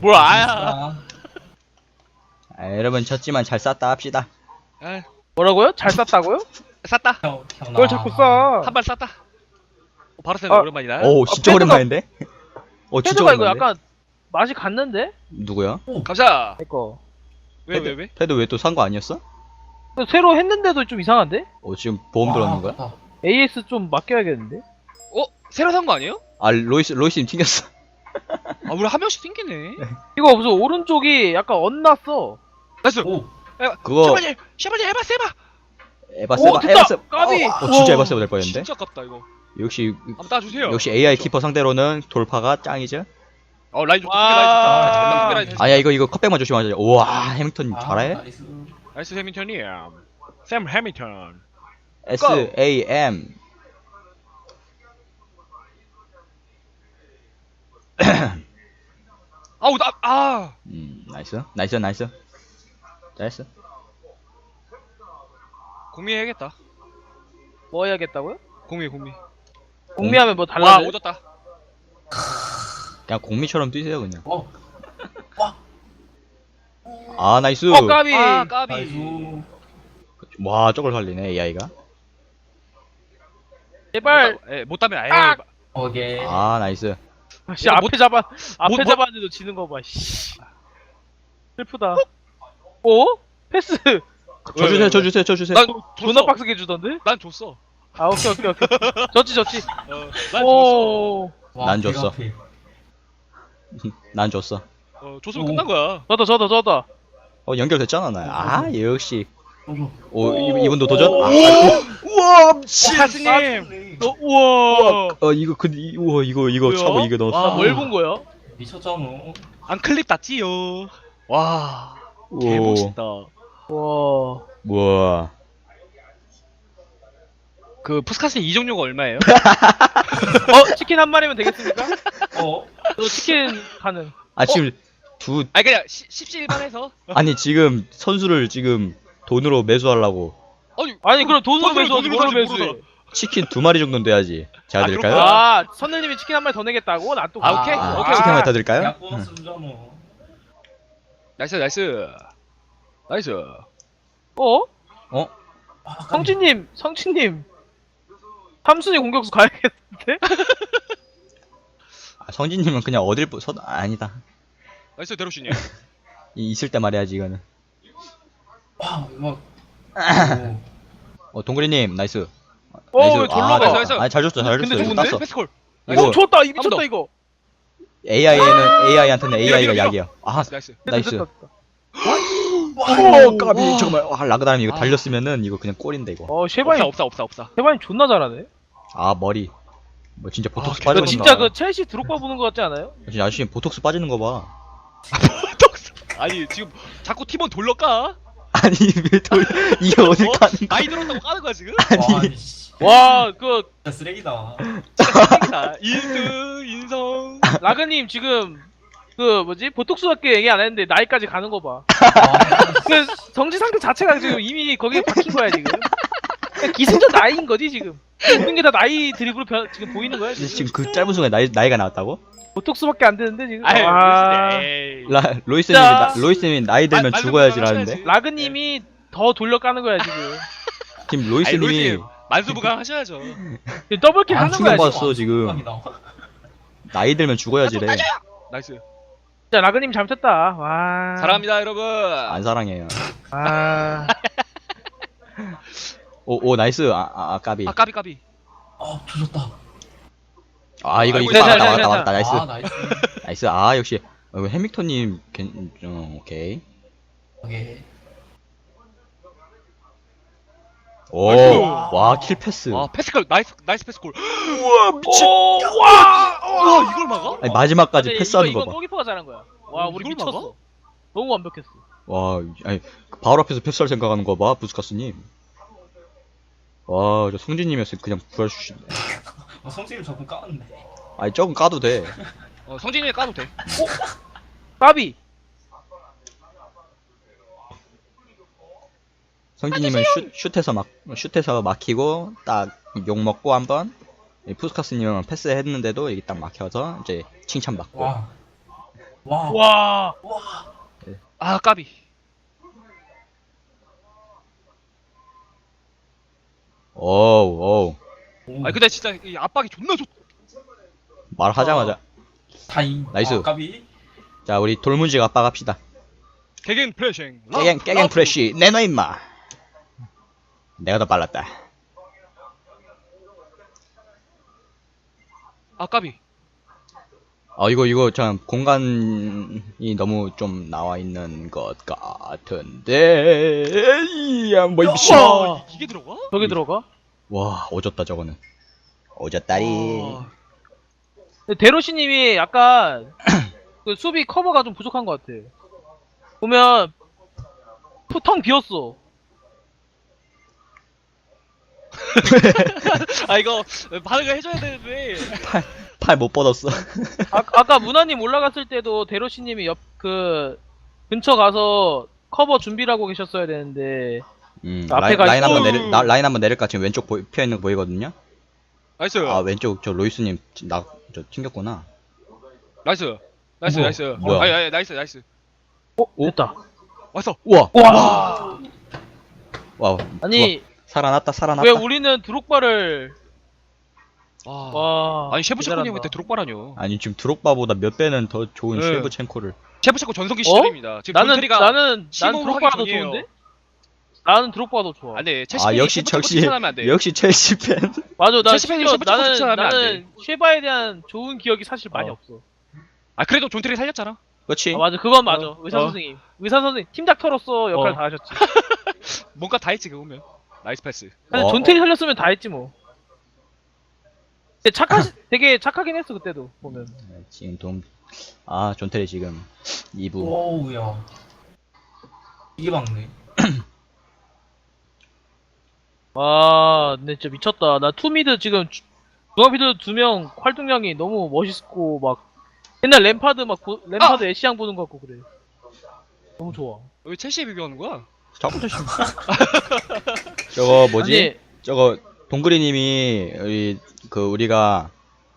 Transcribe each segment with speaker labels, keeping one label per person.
Speaker 1: 뭘 아야.
Speaker 2: 아, 여러분 졌지만 잘 쌌다 합시다.
Speaker 1: 아,
Speaker 3: 뭐라고요? 잘 쌌다고요?
Speaker 1: 쌌다.
Speaker 3: 그걸 자꾸 싸.
Speaker 1: 한 발 쌌다. 바로 쌤
Speaker 3: 아,
Speaker 1: 오랜만이다.
Speaker 2: 오 진짜
Speaker 3: 패드가-
Speaker 2: 오랜만인데? 진짜
Speaker 3: 패드가 이거
Speaker 2: 오랜만인데?
Speaker 3: 약간 맛이 갔는데?
Speaker 2: 누구야?
Speaker 1: 감사.
Speaker 3: 내거.
Speaker 1: 왜?
Speaker 2: 패드 왜 또 산 거 아니었어?
Speaker 3: 새로 했는데도 좀 이상한데?
Speaker 2: 지금 보험 들어는 거야?
Speaker 3: AS 좀 맡겨야겠는데?
Speaker 1: 새로 산 거 아니에요?
Speaker 2: 아 로이스님 튕겼어.
Speaker 1: 아, 우리 한 명씩 생기네.
Speaker 3: 이거 무슨 오른쪽이 약간 엇났어.
Speaker 1: 나이스.
Speaker 2: 그거
Speaker 1: 샤바지 해봐 세봐.
Speaker 2: 에바세바
Speaker 3: 됐다!
Speaker 2: 에바세바
Speaker 3: 까비!
Speaker 2: 진짜
Speaker 3: 우와.
Speaker 2: 에바세바 될 뻔했는데?
Speaker 1: 진짜 아깝다 이거.
Speaker 2: 역시
Speaker 1: 한번 따주세요.
Speaker 2: 역시 AI 키퍼 상대로는 돌파가 짱이죠?
Speaker 1: 라인 좋다.
Speaker 3: 와.
Speaker 1: 라인 좋다.
Speaker 2: 아야 이거 컵백만 조심하자. 우와 해밍턴 잘해?
Speaker 1: 나이스 해밍턴이야. 샘 해밍턴.
Speaker 2: SAM
Speaker 1: 아우
Speaker 2: 나이스 잘했어.
Speaker 1: 공미해야겠다.
Speaker 3: 뭐 해야겠다고요?
Speaker 1: 공미.
Speaker 3: 공미하면 뭐
Speaker 1: 와
Speaker 3: 달라져요?
Speaker 1: 오졌다.
Speaker 2: 그냥 공미처럼 뛰세요 그냥. 아 나이스.
Speaker 3: 까비!
Speaker 1: 까비.
Speaker 2: 와 저걸 살리네 AI가.
Speaker 3: 제발!
Speaker 1: 못 따면 아예.
Speaker 3: 아!
Speaker 4: 오케이.
Speaker 2: 아 나이스.
Speaker 3: 씨, 앞에
Speaker 1: 못-
Speaker 3: 잡았는데도 지는 거 봐, 씨. 슬프다. 패스!
Speaker 2: 쳐주세요.
Speaker 1: 난
Speaker 3: 존나
Speaker 1: 줬어.
Speaker 3: 빡세게 주던데?
Speaker 1: 난 줬어.
Speaker 3: 아, 오케이. 졌지.
Speaker 1: 난 줬어.
Speaker 3: 오,
Speaker 2: 난 줬어. 난 줬어.
Speaker 1: 줬으면 끝난 거야.
Speaker 3: 저다.
Speaker 2: 연결됐잖아 나. 아 역시.
Speaker 4: 오.
Speaker 2: 이분도 도전? 아,
Speaker 1: 우와 사스님. 우와.
Speaker 2: 이거 근데 우와 이거
Speaker 1: 뭐야?
Speaker 2: 차고 이거 넣었어.
Speaker 3: 나 뭘 본 거야?
Speaker 4: 미쳤잖아.
Speaker 1: 안 클립 땄지요. 와.
Speaker 2: 오.
Speaker 1: 개멋있다.
Speaker 3: 와.
Speaker 2: 우와.
Speaker 1: 그 푸스카스 이종료가 얼마예요?
Speaker 3: 치킨 한 마리면 되겠습니까?
Speaker 4: 어?
Speaker 3: 저 치킨 가능.
Speaker 2: 아 지금
Speaker 1: 아니 그냥 십시일반해서.
Speaker 2: 아니 지금 선수를 지금 돈으로 매수하려고
Speaker 3: 아니, 그럼 돈으로
Speaker 1: 돈으로
Speaker 3: 매수하지,
Speaker 1: 돈으로
Speaker 3: 뭘로
Speaker 1: 하지,
Speaker 3: 매수해?
Speaker 2: 치킨 2마리 정도는 돼야지. 제가
Speaker 1: 아,
Speaker 2: 드릴까요?
Speaker 1: 그렇구나.
Speaker 3: 선생님이 치킨 한 마리 더 내겠다고? 나 또.
Speaker 1: 오케이.
Speaker 2: 치킨 한 마리 더 드릴까요?
Speaker 4: 약 보너스 주잖아.
Speaker 1: 나이스.
Speaker 3: 성진님. 삼순이 공격수 가야겠는데?
Speaker 2: 성진님은 그냥 어딜 아니다.
Speaker 1: 나이스 데로시님.
Speaker 2: 있을 때 말해야지 이거는.
Speaker 4: 막.
Speaker 2: 동그리님 나이스.
Speaker 3: 왜 졸로 가?
Speaker 1: 나이스.
Speaker 2: 아니 잘 줬어.
Speaker 3: 근데
Speaker 2: 이거
Speaker 3: 좋은데?
Speaker 2: 땄어.
Speaker 1: 패스콜.
Speaker 2: 이거
Speaker 3: 좋았다.
Speaker 1: 번
Speaker 3: 미쳤다,
Speaker 1: 더.
Speaker 3: 이거.
Speaker 2: AI한테는 AI가
Speaker 1: 밀어.
Speaker 2: 약이야. 아
Speaker 1: 나이스.
Speaker 2: 나이스.
Speaker 3: 됐다.
Speaker 2: 까비 잠깐만. 라그다님 이거 달렸으면은 이거 그냥 골인데 이거.
Speaker 3: 쉐바인
Speaker 1: 없다.
Speaker 3: 존나 잘하네.
Speaker 2: 머리. 뭐 진짜 보톡스
Speaker 1: 너
Speaker 2: 빠지는
Speaker 3: 너
Speaker 2: 거.
Speaker 3: 진짜 그 첼시 드록바 보는 거 같지 않아요?
Speaker 2: 진짜 아저씨 보톡스 빠지는 거 봐.
Speaker 1: 아니 지금 자꾸 팀원 돌려까?
Speaker 2: 아니 이게 어딜 까는 거야?
Speaker 1: 나이 들었다고 까는 거야 지금?
Speaker 2: 아니
Speaker 3: 와, 그
Speaker 4: 진짜 쓰레기다.
Speaker 1: 쓰레기다. 인성.
Speaker 3: 라그님 지금 그 뭐지 보톡스밖에 얘기 안 했는데 나이까지 가는 거 봐. 그 정지 상태 자체가 지금 이미 거기에 박힌 거야 지금. 그냥 기승전 나이인 거지 지금. 모든 게 다 나이 드립으로 지금 보이는 거야 지금.
Speaker 2: 지금 그 짧은 순간에 나이가 나왔다고?
Speaker 3: 보톡스밖에 안 되는데 지금.
Speaker 1: 아유,
Speaker 3: 와.
Speaker 1: 에이.
Speaker 2: 로이스님이
Speaker 3: 진짜.
Speaker 2: 로이스님이 나이 들면
Speaker 1: 말-
Speaker 2: 죽어야지라는데.
Speaker 1: 말도
Speaker 3: 라그님이 더 돌려 까는 거야 지금.
Speaker 2: 지금
Speaker 1: 아니,
Speaker 2: 로이스님이
Speaker 1: 로이스님, 만수부강 하셔야죠.
Speaker 3: 지금 더블킬 하는 거야 지금.
Speaker 2: 충격받았어 지금. 나이 들면 죽어야지래.
Speaker 1: 나이스.
Speaker 3: 진짜 라그님 잘못했다. 와.
Speaker 1: 사랑합니다 여러분.
Speaker 2: 안 사랑해요.
Speaker 3: 아.
Speaker 2: 오 나이스. 까비.
Speaker 1: 까비.
Speaker 4: 조졌다.
Speaker 2: 이거
Speaker 1: 아이고,
Speaker 2: 맞다. 나이스.
Speaker 4: 나이스.
Speaker 2: 나이스. 역시 해믹턴님 오케이.
Speaker 4: 오케이.
Speaker 1: 나이스.
Speaker 2: 와 킬 패스.
Speaker 1: 패스콜 나이스 패스콜.
Speaker 3: 우와 미친.
Speaker 1: 와 이걸 막아?
Speaker 2: 아니, 마지막까지
Speaker 3: 근데
Speaker 2: 패스하는
Speaker 3: 이거
Speaker 2: 거 봐.
Speaker 3: 골키퍼가 잘한 거야. 와 우리
Speaker 1: 이걸
Speaker 3: 미쳤어.
Speaker 1: 막아?
Speaker 3: 너무 완벽했어.
Speaker 2: 와, 아니 바로 앞에서 패스할 생각하는 거 봐, 부스카스님. 와, 저 성진님이었으면 그냥 구해주신다.
Speaker 4: 성진이 저분 까는데.
Speaker 2: 아니 조금 까도 돼.
Speaker 1: 성진이 까도 돼.
Speaker 3: 까비.
Speaker 2: 성진님은 슛에서 막히고 딱 욕 먹고 한번. 부스카스님은 패스했는데도 이게 딱 막혀서 이제 칭찬받고.
Speaker 4: 와. 와.
Speaker 3: 와.
Speaker 1: 아 까비.
Speaker 2: 오우.
Speaker 4: 오.
Speaker 1: 아니 근데 진짜 이 압박이 존나 좋.
Speaker 2: 말하자마자.
Speaker 4: 타임.
Speaker 2: 나이스.
Speaker 4: 아, 까비.
Speaker 2: 자, 우리 돌문지가 압박합시다.
Speaker 1: 개겐 프레싱.
Speaker 2: 깨갱 프레쉬 내놔 임마. 내가 더 빨랐다.
Speaker 1: 아 까비.
Speaker 2: 이거 참 공간이 너무 좀 나와 있는 것 같은데. 이야, 뭐 미친.
Speaker 3: 와.
Speaker 1: 이게 들어가?
Speaker 3: 저기 들어가?
Speaker 2: 와, 오졌다 저거는. 오졌다리.
Speaker 1: 와.
Speaker 3: 근데 데로시님이 약간 그 수비 커버가 좀 부족한 것 같아. 보면 텅 비었어.
Speaker 1: 아 이거 반응을 해줘야 되는데.
Speaker 2: 팔 못 뻗었어.
Speaker 3: 아까 문화님 올라갔을 때도 데로시님이 옆 그 근처 가서 커버 준비를 하고 계셨어야 되는데 앞에
Speaker 2: 라인
Speaker 3: 가시고-
Speaker 2: 한번 라인 한번 내릴까? 지금 왼쪽 피어 있는 거 보이거든요.
Speaker 1: 나이스.
Speaker 2: 아, 왼쪽 저 로이스님 저 튕겼구나.
Speaker 1: 나이스.
Speaker 4: 어머,
Speaker 1: 나이스.
Speaker 2: 뭐야?
Speaker 1: 아니 나이스.
Speaker 3: 됐다.
Speaker 1: 왔어.
Speaker 2: 우와.
Speaker 3: 와.
Speaker 2: 와.
Speaker 3: 아니
Speaker 2: 살아났다.
Speaker 3: 왜 우리는 드록바를
Speaker 1: 와.
Speaker 3: 와
Speaker 1: 아니 셰프체코님
Speaker 3: 대단하다.
Speaker 1: 그때 드록바라뇨.
Speaker 2: 아니 지금 드록바보다 몇 배는 더 좋은
Speaker 1: 네.
Speaker 2: 쉐브첸코를.
Speaker 1: 셰프체코 전성기 시절입니다. 지금
Speaker 3: 나는
Speaker 1: 존테리가
Speaker 3: 나는
Speaker 1: 시범을
Speaker 3: 드록바가 더
Speaker 1: 하기 전이에요.
Speaker 3: 좋은데? 나는 드록바가 더 좋아.
Speaker 1: 안돼.
Speaker 2: 아, 역시
Speaker 1: 칭찬하면 안 돼.
Speaker 2: 역시 첼시 팬.
Speaker 3: 맞아, 나
Speaker 1: 첼시 팬이
Speaker 3: 심지어
Speaker 1: 셰프체코
Speaker 3: 나는
Speaker 1: 칭찬하면 안
Speaker 3: 나는 쉐바에 대한 좋은 기억이 사실 많이
Speaker 2: 어.
Speaker 3: 없어.
Speaker 1: 아 그래도 존테리 살렸잖아.
Speaker 2: 그렇지.
Speaker 3: 아, 맞아, 그건 맞아. 의사
Speaker 1: 어.
Speaker 3: 선생님, 의사 선생님 팀닥터로서 역할
Speaker 1: 어.
Speaker 3: 다 하셨지.
Speaker 1: 뭔가 다 했지 그거면. 나이스 패스.
Speaker 3: 근데
Speaker 2: 어.
Speaker 3: 존테리 살렸으면 다 했지 뭐. 근데 되게 착하긴 했어 그때도 보면.
Speaker 2: 지금 존테리 지금 2부.
Speaker 4: 오우야. 이게 막네.
Speaker 3: 와, 근데 진짜 미쳤다. 나 투미드 지금 중앙미드 2명 활동량이 너무 멋있고 막 옛날 램파드 램파드 애쉬양 보는 것 같고 그래. 너무 좋아.
Speaker 1: 왜 첼시에 비교하는 거야?
Speaker 2: 저부터 저거 뭐지?
Speaker 3: 아니,
Speaker 2: 저거 동그리님이 우리가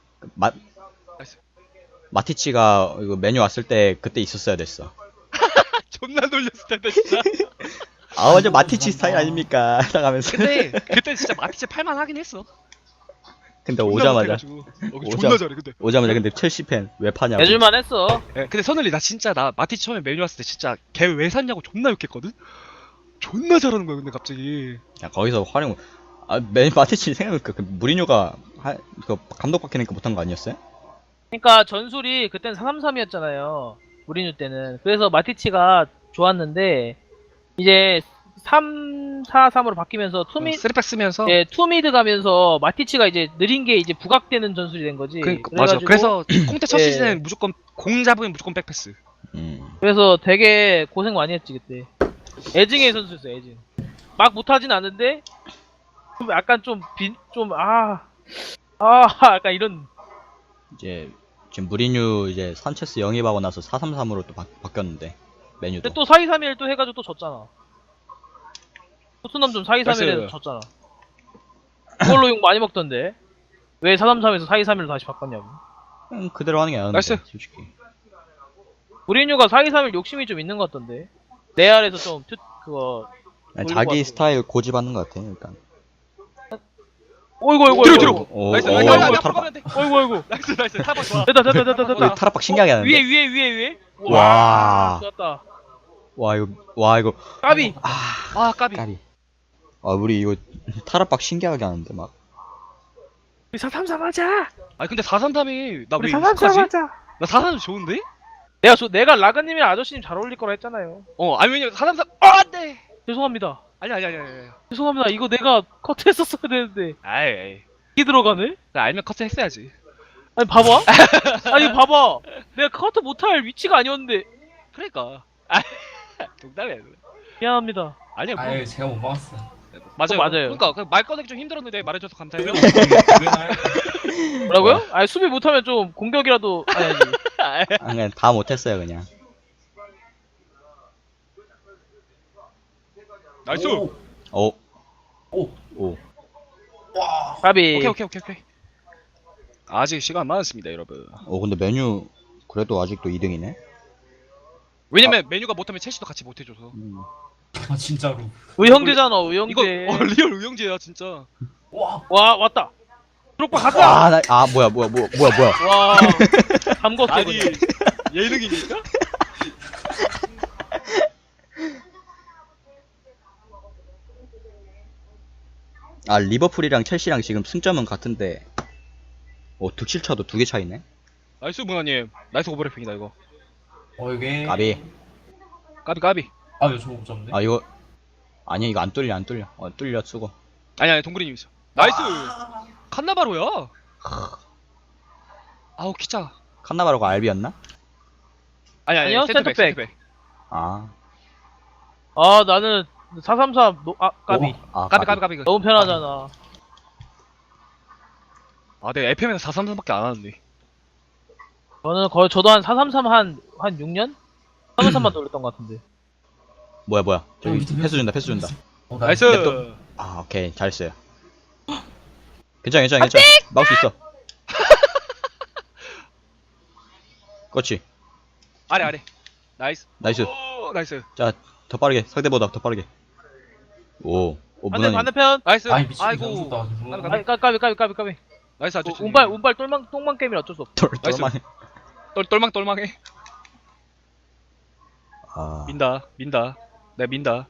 Speaker 2: 마티치가 이거 메뉴 왔을 때 그때 있었어야 됐어.
Speaker 1: 존나 놀렸을 텐데 진짜.
Speaker 2: 아, 완전 마티치 스타일 아닙니까? 나가면서.
Speaker 1: 근데 그때 진짜 마티체 팔만 하긴 했어.
Speaker 2: 근데
Speaker 1: 존나
Speaker 2: 오자마자
Speaker 1: 못해가지고. 존나 잘해 근데.
Speaker 2: 근데 첼시 팬 왜 파냐고.
Speaker 3: 해줄만 했어.
Speaker 1: 예, 근데 선을리 나 진짜 나 마티치 처음에 메뉴 왔을 때 진짜 걔 왜 샀냐고 존나 욕했거든. 존나 잘하는 거야 근데 갑자기.
Speaker 2: 야, 거기서 활용. 마티치 생각해보니까 그 무리뉴가 그 감독 바뀌니까 못한 거 아니었어요?
Speaker 3: 그러니까 전술이 그땐 433이었잖아요. 무리뉴 때는. 그래서 마티치가 좋았는데 이제 3-4-3으로 바뀌면서
Speaker 1: 쓰리백 쓰면서.
Speaker 3: 예, 투미드 가면서 마티치가 이제 느린 게 이제 부각되는 전술이 된 거지.
Speaker 1: 맞아. 그래서 콩테 첫
Speaker 3: 예.
Speaker 1: 시즌엔 무조건 공 잡으면 무조건 백패스.
Speaker 3: 그래서 되게 고생 많이 했지 그때. 애증의 선수였어, 애증. 막 못하진 않은데 좀 약간 약간 이런.
Speaker 2: 이제 지금 무리뉴 이제 산체스 영입하고 나서 4-3-3으로 또 바뀌었는데 메뉴도.
Speaker 3: 근데 또 4-2-3-1 또 해가지고 또 졌잖아. 토트넘 좀 4-2-3-1에서
Speaker 1: 나이스.
Speaker 3: 졌잖아. 그걸로 욕 많이 먹던데. 왜 4-3-3에서 4-2-3-1로 다시 바꿨냐고.
Speaker 2: 그대로 하는 게 나은데
Speaker 1: 나이스.
Speaker 2: 솔직히.
Speaker 3: 무리뉴가 4-2-3-1 욕심이 좀 있는 것 같던데. 레알에서 좀 그거.
Speaker 2: 아니,
Speaker 3: 돌리고
Speaker 2: 자기
Speaker 3: 하는
Speaker 2: 스타일 고집하는 것 같아 일단.
Speaker 3: 어이구.
Speaker 1: 뒤로.
Speaker 2: 오,
Speaker 1: 나이스.
Speaker 2: 오,
Speaker 1: 나이스.
Speaker 2: 오,
Speaker 1: 나이스.
Speaker 2: 타락.
Speaker 1: 가면 돼.
Speaker 3: 어이구.
Speaker 1: 나이스. 타박 좋아.
Speaker 3: 됐다.
Speaker 2: 타락박 신기하게 하는데.
Speaker 3: 위에.
Speaker 2: 와.
Speaker 3: 좋았다.
Speaker 2: 와 이거
Speaker 3: 까비.
Speaker 1: 아 까비.
Speaker 2: 까비. 우리 이거 타락박 신기하게 하는데 막.
Speaker 3: 우리 4-3-3 하자.
Speaker 1: 아니 근데 433이 나 왜
Speaker 3: 우리
Speaker 1: 익숙하지?
Speaker 3: 4-3-3 하자.
Speaker 1: 나 433 좋은데?
Speaker 3: 내가 라그님이랑 아저씨님 잘 어울릴 거라 했잖아요.
Speaker 1: 아니 왜냐면 433 안돼.
Speaker 3: 죄송합니다.
Speaker 1: 아니야.
Speaker 3: 죄송합니다. 이거 내가 커트했었어야 되는데
Speaker 1: 아이.
Speaker 3: 이게 들어가네?
Speaker 1: 나 알면 커트 했어야지.
Speaker 3: 아니 봐봐. 아니 봐봐. 내가 커트 못할 위치가 아니었는데.
Speaker 1: 그러니까. 농담이야.
Speaker 3: 미안합니다.
Speaker 1: 아니야 뭐.
Speaker 4: 아유, 제가 못 막았어.
Speaker 1: 맞아요.
Speaker 3: 맞아요.
Speaker 1: 그러니까 말 꺼내기 좀 힘들었는데 말해줘서 감사해요.
Speaker 3: 뭐라고요? 아니 수비 못하면 좀 공격이라도 해야지.
Speaker 2: 그냥 다 못했어요 그냥.
Speaker 1: 나이스.
Speaker 2: 오.
Speaker 4: 오.
Speaker 3: 가비.
Speaker 1: 오케이. 아직 시간 많습니다, 여러분.
Speaker 2: 근데 메뉴 그래도 아직도 2등이네.
Speaker 1: 왜냐면 메뉴가 못하면 첼시도 같이 못해줘서.
Speaker 4: 아 진짜로.
Speaker 3: 의형제잖아
Speaker 1: 이거
Speaker 3: 의형제.
Speaker 1: 리얼 의형제야 진짜.
Speaker 4: 와.
Speaker 3: 와 왔다. 드록바 가자.
Speaker 2: 뭐야.
Speaker 3: 와 담궜어.
Speaker 1: 아니
Speaker 3: 그냥.
Speaker 1: 예능이니까?
Speaker 2: 리버풀이랑 첼시랑 지금 승점은 같은데, 득실차도 2개 차이네?
Speaker 1: 나이스 문화님. 나이스 오버래핑이다 이거.
Speaker 4: 이게.
Speaker 2: 까비.
Speaker 1: 까비.
Speaker 4: 왜 저거 못 잡네?
Speaker 2: 이거, 아니야, 이거 안 뚫려. 뚫려, 쓰고.
Speaker 1: 아니 동그리님 있어. 나이스.
Speaker 4: 아,
Speaker 1: 칸나바로야. 아우 키짜.
Speaker 2: 칸나바로가 알비였나?
Speaker 3: 아니요,
Speaker 1: 센터백.
Speaker 3: 센터백.
Speaker 1: 센터백.
Speaker 2: 아,
Speaker 3: 나는 433 까비.
Speaker 1: 까비.
Speaker 3: 너무 편하잖아.
Speaker 1: 아 내가 FM에서 433밖에 안 하는데.
Speaker 3: 저는 거의 저도 한 433 한 6년? 433만 돌렸던 것 같은데.
Speaker 2: 뭐야. 저기,
Speaker 4: 밑에
Speaker 2: 패스 준다.
Speaker 1: 나이스.
Speaker 2: 냅둬. 오케이. 잘했어요. 괜찮아. 막을 수 있어. 그렇지.
Speaker 1: 아래. 나이스.
Speaker 2: 나이스.
Speaker 1: 오, 나이스.
Speaker 2: 자, 더 빠르게. 상대보다 더 빠르게. 문화님.
Speaker 3: 반대편.
Speaker 1: 나이스.
Speaker 4: 아이 미친.
Speaker 1: 아이고.
Speaker 3: 아이, 까비.
Speaker 1: 나이스 아주.
Speaker 3: 운발 똘망 게임이라 어쩔 수 없어.
Speaker 1: 나이스.
Speaker 2: 똘만해.
Speaker 1: 똘망해. 민다. 내가 민다.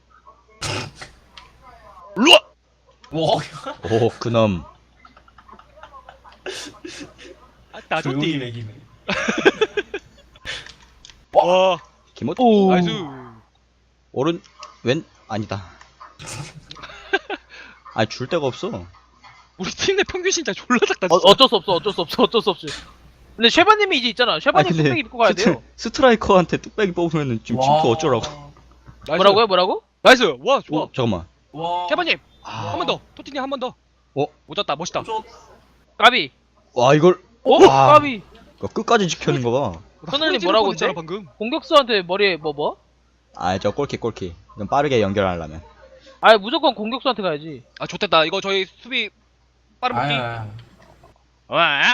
Speaker 1: 루아.
Speaker 4: 와.
Speaker 2: 그놈.
Speaker 1: 나
Speaker 4: 조용히
Speaker 1: 좋디.
Speaker 4: 매기네.
Speaker 1: 와.
Speaker 2: 김호?
Speaker 1: 나이스.
Speaker 2: 아니다. 줄 데가 없어.
Speaker 1: 우리 팀 내 평균 진짜 졸라 작다.
Speaker 3: 어쩔 수 없지. 근데 쉐바님이 이제 있잖아. 쉐바님
Speaker 2: 근데
Speaker 3: 뚝배기 입고 가야 돼요.
Speaker 2: 스트라이커한테 뚝배기 뽑으면은 지금 침투 어쩌라고.
Speaker 1: 나이스.
Speaker 3: 뭐라고?
Speaker 1: 나이스. 와 좋아.
Speaker 2: 잠깐만.
Speaker 4: 와.
Speaker 1: 캐바님 한 번 더. 토티님 한 번 더. 오졌다. 멋있다.
Speaker 3: 까비.
Speaker 2: 이걸. 와.
Speaker 3: 까비.
Speaker 2: 이거 끝까지 지켜는 거 봐.
Speaker 3: 선생님 뭐라고
Speaker 1: 했잖아
Speaker 3: 했대?
Speaker 1: 방금.
Speaker 3: 공격수한테 머리에 뭐?
Speaker 2: 저 골키. 좀 빠르게 연결하려면.
Speaker 3: 무조건 공격수한테 가야지.
Speaker 1: 아 좋댔다. 이거 저희 수비 빠른 복귀. 와.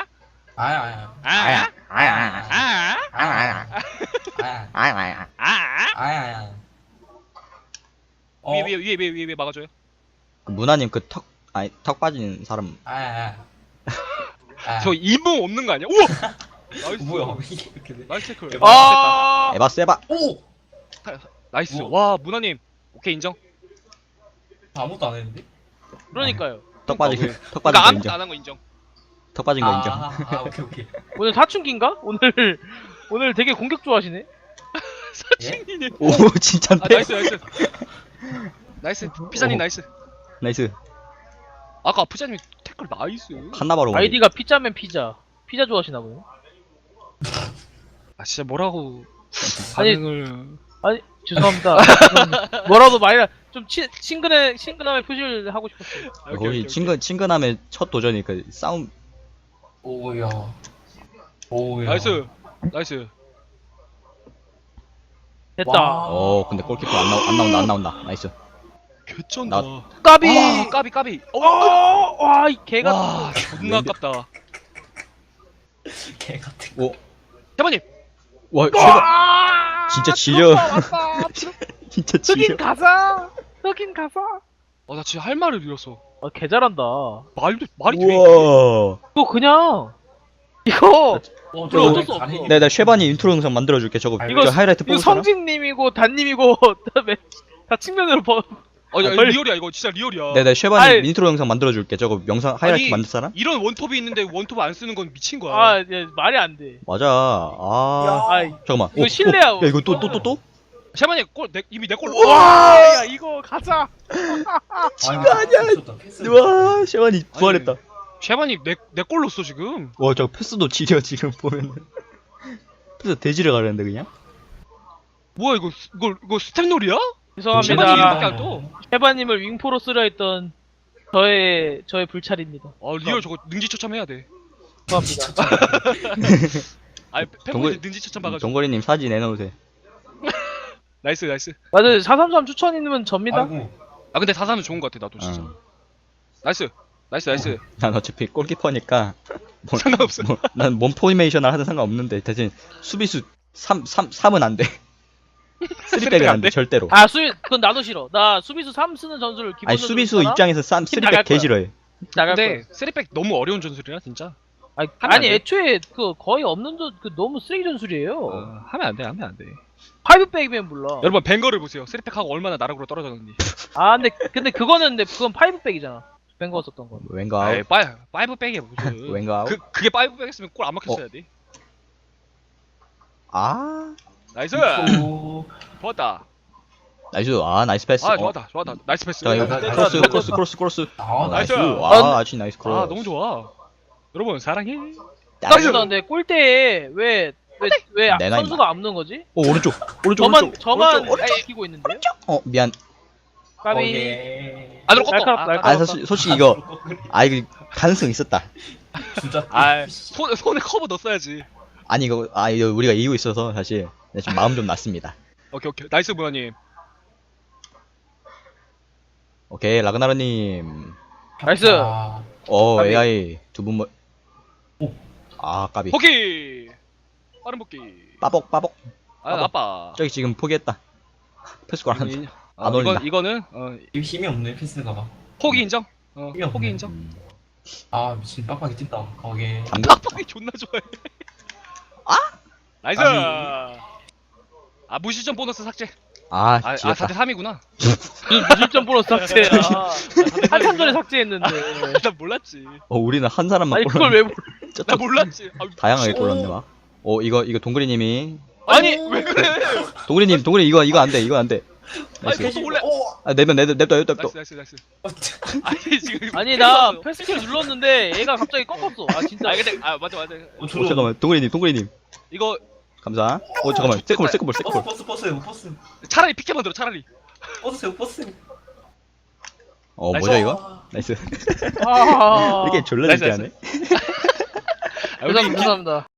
Speaker 1: 위에 막아줘요.
Speaker 2: 문화님 턱 빠진 사람.
Speaker 1: 저 이봉 없는 거 아니야? 우와. 나이스.
Speaker 4: 뭐야 이게 이렇게 돼?
Speaker 1: 나이스 태클.
Speaker 2: 에바 세바.
Speaker 4: 오.
Speaker 1: 나이스.
Speaker 4: 우와.
Speaker 1: 와 문화님. 오케이 인정.
Speaker 4: 아무것도 안 했는데?
Speaker 3: 그러니까요.
Speaker 2: 턱 빠진
Speaker 1: 그러니까
Speaker 2: 거
Speaker 1: 아무것도
Speaker 2: 인정.
Speaker 1: 안 한 거 인정.
Speaker 2: 턱 빠진 거 인정.
Speaker 4: 오케이.
Speaker 3: 오늘 사춘기인가? 오늘 되게 공격 좋아하시네.
Speaker 1: 사칭이네.
Speaker 2: 오 진짠데.
Speaker 1: 나이스. 피자님 나이스.
Speaker 2: 나이스.
Speaker 1: 아까 피자님 태클 나이스.
Speaker 2: 칸나바로.
Speaker 3: 아이디가 피자면 피자 좋아하시나 보네.
Speaker 1: 아 진짜 뭐라고
Speaker 3: 아니,
Speaker 1: 반응을.
Speaker 3: 죄송합니다. 뭐라도 말이라 좀 친근함의 표시를 하고 싶었어요.
Speaker 2: 거기 친근함의 첫 도전이니까 싸움.
Speaker 4: 오야.
Speaker 1: 나이스.
Speaker 3: 됐다.
Speaker 4: 와.
Speaker 2: 근데 골키퍼 안 나온다. 나이스.
Speaker 1: 개쩐다.
Speaker 3: 까비.
Speaker 1: 까비.
Speaker 3: 와, 이 개가.
Speaker 1: 와 존나 아깝다.
Speaker 4: 개 같은.
Speaker 1: 대만님.
Speaker 2: 와 쉐바. 진짜 지려. 진짜 지려.
Speaker 3: 흑인 가자.
Speaker 1: 나 진짜 할 말을 잃었어.
Speaker 3: 개 잘한다.
Speaker 1: 말이 돼.
Speaker 2: 우와.
Speaker 3: 이거 그냥 이거
Speaker 4: 저
Speaker 3: 어쩔 수 없어.
Speaker 2: 나 쉐바니 인트로 영상 만들어줄게. 저거
Speaker 3: 이거
Speaker 2: 저 하이라이트
Speaker 3: 이거
Speaker 2: 뽑을 사람?
Speaker 3: 성진님이고 단님이고 그다음에 다 측면으로
Speaker 1: 야,
Speaker 3: 빨리-
Speaker 1: 리얼이야 이거 진짜 리얼이야.
Speaker 2: 나 쉐바니
Speaker 3: 아이.
Speaker 2: 인트로 영상 만들어줄게. 저거 영상 하이라이트
Speaker 1: 아니,
Speaker 2: 만들 사람?
Speaker 1: 이런 원톱이 있는데 원톱 안 쓰는 건 미친 거야.
Speaker 3: 아, 이제 말이 안 돼.
Speaker 2: 맞아.
Speaker 3: 아이,
Speaker 2: 잠깐만.
Speaker 3: 이거 실례야.
Speaker 2: 야 이거 또?
Speaker 1: 샤마니 이미 내 골.
Speaker 3: 와, 야 이거 가자.
Speaker 2: 와 쉐바니 부활했다.
Speaker 1: 샤마니 내골 넣었어 지금.
Speaker 2: 와 저 패스도 지려 지금 보면은. 패스 대지를 가려는데 그냥?
Speaker 1: 뭐야 이거 스텝놀이야? 샤마니
Speaker 3: 죄송합니다.
Speaker 1: 이렇게 안 떠.
Speaker 3: 해바님을 윙포로 쓰려 했던 저의 불찰입니다.
Speaker 1: 리얼 저거 능지처참해야 돼.
Speaker 3: 죄송합니다.
Speaker 1: 팬분들 능지처참 봐가지고.
Speaker 2: 정거리님 사진 내놓으세요.
Speaker 1: 나이스.
Speaker 3: 맞아요. 433 추천이면 접니다.
Speaker 4: 아이고.
Speaker 1: 근데 4-3은 좋은 거 같아 나도 진짜. 나이스.
Speaker 2: 난 어차피 골키퍼니까
Speaker 1: 상관없어.
Speaker 2: 난 몸 포메이션을 하든 상관없는데 대신 수비수 3은 안 돼. 쓰리백은 안 돼, 절대로.
Speaker 3: 아 그건 나도 싫어. 나 수비수 3 쓰는 전술을 기본
Speaker 2: 아니, 수비수 입장에서
Speaker 3: 팀 나갈
Speaker 2: 쓰리백 개
Speaker 3: 거야.
Speaker 2: 싫어해.
Speaker 3: 나갈
Speaker 1: 근데
Speaker 3: 거야.
Speaker 1: 3백 너무 어려운 전술이야 진짜.
Speaker 3: 아니,
Speaker 1: 하면 안 돼.
Speaker 3: 애초에 그 거의 없는 그 너무 쓰레기 전술이에요.
Speaker 1: 하면 안 돼, 하면 안 돼.
Speaker 3: 파이브백이면 몰라.
Speaker 1: 여러분 벵거를 보세요. 3팩하고 얼마나 나락으로 떨어졌는지.
Speaker 3: 아 근데 그건 파이브백이잖아. 뱅거 썼던 건.
Speaker 2: 왠가
Speaker 1: 아이, 5백이야 무슨.
Speaker 2: 왠가
Speaker 1: 그게 5백 했으면 골 안 막혔어야 돼.
Speaker 2: 아
Speaker 1: 나이스.
Speaker 4: 오.
Speaker 1: 좋았다.
Speaker 2: 나이스. 아 나이스 패스.
Speaker 1: 아 좋았다, 좋았다. 나이스 패스.
Speaker 2: 자 이거 크로스.
Speaker 4: 아,
Speaker 2: 나이스.
Speaker 1: 나이스.
Speaker 2: 아 아주 나이스 크로스.
Speaker 1: 아 너무 좋아. 여러분 사랑해.
Speaker 2: 나이스.
Speaker 3: 근데 골대에 왜
Speaker 2: 내 나이
Speaker 3: 선수가 안 넣은 거지?
Speaker 2: 오 오른쪽.
Speaker 3: 저만
Speaker 2: 오른쪽.
Speaker 3: 끼고 있는데요?
Speaker 2: 어 미안.
Speaker 3: 까비.
Speaker 4: 오케이.
Speaker 1: 안으로 꺾어.
Speaker 3: 날카롭다.
Speaker 2: 아 솔직히 이거 이거 가능성 있었다.
Speaker 4: 진짜.
Speaker 1: 손에 커버 넣었어야지.
Speaker 2: 아니 이거 이거 우리가 이기고 있어서 사실 지금 마음 좀 났습니다.
Speaker 1: 오케이. 나이스 무현님.
Speaker 2: 오케이 라그나르님.
Speaker 3: 나이스.
Speaker 4: 아,
Speaker 3: 까비.
Speaker 2: AI 두 분 뭐.
Speaker 4: 오.
Speaker 2: 아 까비.
Speaker 1: 복귀. 빠른 복귀.
Speaker 2: 빠복.
Speaker 1: 아 나빠.
Speaker 2: 저기 지금 포기했다. 패스골 안.
Speaker 1: 이-
Speaker 2: 안 올린다.
Speaker 1: 이거는
Speaker 4: 이거 힘이 없네 패스가.
Speaker 1: 포기 인정.
Speaker 4: 힘이 없네.
Speaker 1: 포기 인정.
Speaker 4: 아 미친 빡빡이 뛴다. 오케이.
Speaker 2: 감독.
Speaker 1: 빡빡이 존나 좋아해.
Speaker 2: 아?
Speaker 1: 나이스.
Speaker 4: 아니.
Speaker 1: 아 무시점 보너스 삭제.
Speaker 2: 아
Speaker 1: 4대 3이구나.
Speaker 3: 무실점 보너스 삭제. 한참 전에 삭제했는데.
Speaker 1: 나 몰랐지.
Speaker 2: 우리는 한 사람만
Speaker 3: 아니
Speaker 2: 골
Speaker 3: 그걸 왜 몰라?
Speaker 1: 나 몰랐지.
Speaker 2: 다양하게 골랐네 막. 이거 동그리님이
Speaker 1: 아니 왜 그래?
Speaker 2: 동그리님 이거 안 돼. 이거 안 돼.
Speaker 1: 아니
Speaker 2: 나이스.
Speaker 1: 계속 올래.
Speaker 2: 아 내면 냅둬.
Speaker 1: 나이스. 아니 지금.
Speaker 3: 아니 나 패스킬 눌렀는데 얘가 갑자기 꺾었어. 아 진짜.
Speaker 1: 아 근데 맞아.
Speaker 2: 잠깐만 동그리님
Speaker 1: 이거
Speaker 2: 감사. 잠깐만 세컨볼.
Speaker 4: 버스.
Speaker 1: 차라리 피케 만들어 차라리.
Speaker 4: 버스.
Speaker 2: 뭐죠 이거? 나이스.
Speaker 3: 아.
Speaker 2: 이렇게 졸라
Speaker 1: 나이스,
Speaker 2: 재밌게 하네.
Speaker 1: 아, 우리
Speaker 3: 감사합니다.